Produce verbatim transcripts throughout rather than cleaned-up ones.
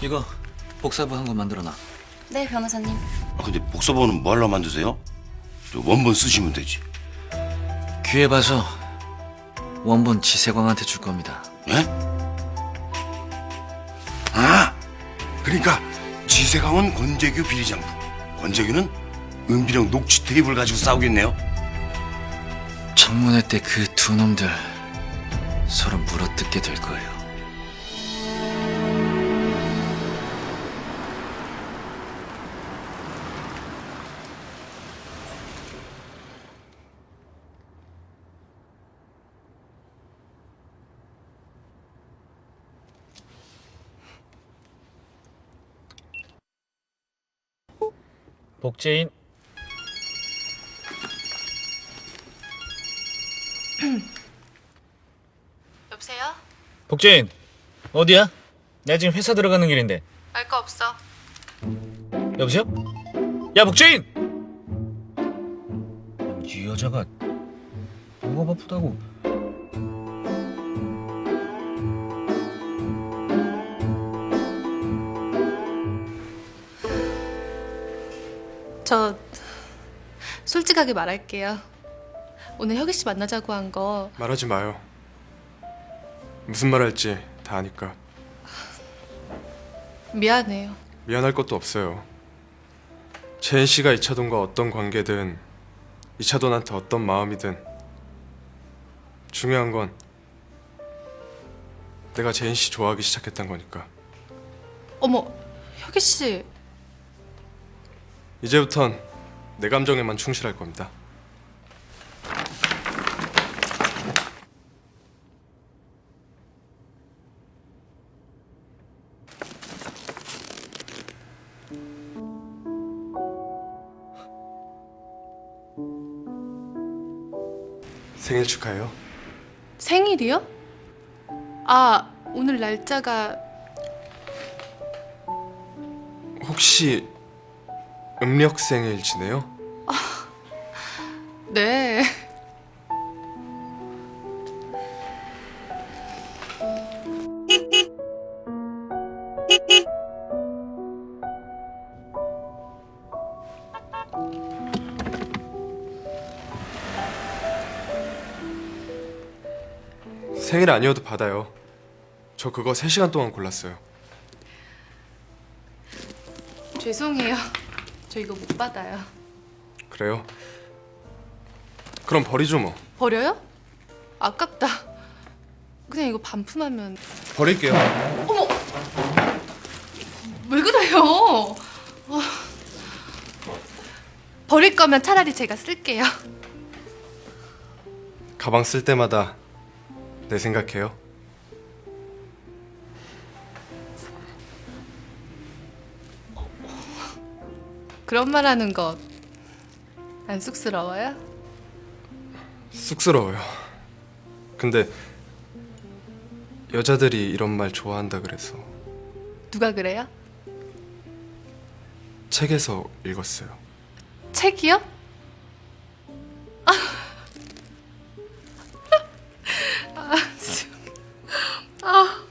이거 복사부 한 권 만들어놔. 네, 변호사님. 아, 근데 복사본은 뭐 하려고 만드세요? 저 원본 쓰시면 되지. 기회 봐서 원본 지세광한테 줄 겁니다. 예? 아, 그러니까 지세강은 권재규 비리장부, 권재규는 은비령 녹취 테이프를 가지고 싸우겠네요. 청문회 때 그 두 놈들 서로 물어뜯게 될 거예요. 복제인. 여보세요? 복제인. 어디야? 나 지금 회사 들어가는 길인데. 알 거 없어. 여보세요? 야, 복제인! 이 여자가 뭐가 바쁘다고. 저 솔직하게 말할게요. 오늘 혁이 씨 만나자고 한 거 말하지 마요. 무슨 말 할지 다 아니까. 미안해요. 미안할 것도 없어요. 재인 씨가 이차돈과 어떤 관계든 이차돈한테 어떤 마음이든 중요한 건 내가 재인 씨 좋아하기 시작했단 거니까. 어머, 혁이 씨. 이제부턴 내 감정에만 충실할 겁니다. 생일 축하해요. 생일이요? 아, 오늘 날짜가 혹시 음력 생일 지내요? 네. 생일 아니어도 받아요. 저 그거 세 시간 동안 골랐어요. 죄송해요. 저 이거 못 받아요. 그래요? 그럼 버리죠 뭐. 버려요? 아깝다. 그냥 이거 반품하면. 버릴게요. 어머! 왜 그래요? 아, 버릴 거면 차라리 제가 쓸게요. 가방 쓸 때마다 내 생각해요. 그런 말 하는 거 안 쑥스러워요? 쑥스러워요. 근데 여자들이 이런 말 좋아한다 그래서 누가 그래요? 책에서 읽었어요. 책이요? 아, 아, 참. 아,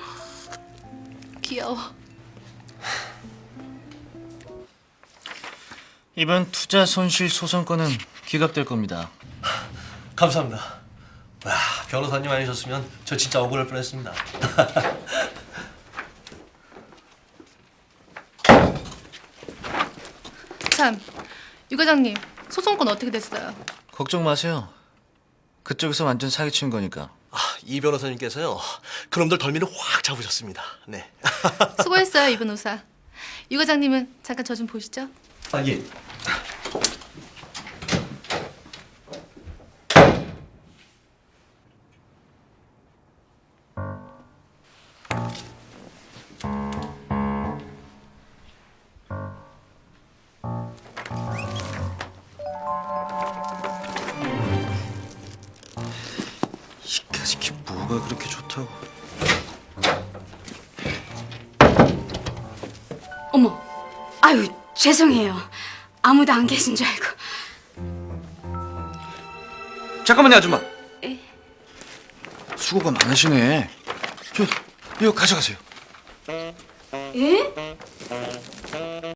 귀여워. 이번 투자 손실 소송권은 기각될 겁니다. 감사합니다. 와, 변호사님 아니셨으면 저 진짜 억울할 뻔했습니다. 참, 유 과장님, 소송권 어떻게 됐어요? 걱정 마세요. 그쪽에서 완전 사기친 거니까. 아, 이 변호사님께서요, 그놈들 덜미를 확 잡으셨습니다. 네. 수고했어요, 이 변호사. 유 과장님은 잠깐 저 좀 보시죠. 아, 예. 이 가지키 뭐가 그렇게 좋다고. 어머, 아유 죄송해요. 아무도 안 계신 줄 알고. 잠깐만요, 아줌마. 에? 수고가 많으시네. 저 이거 가져가세요. 예?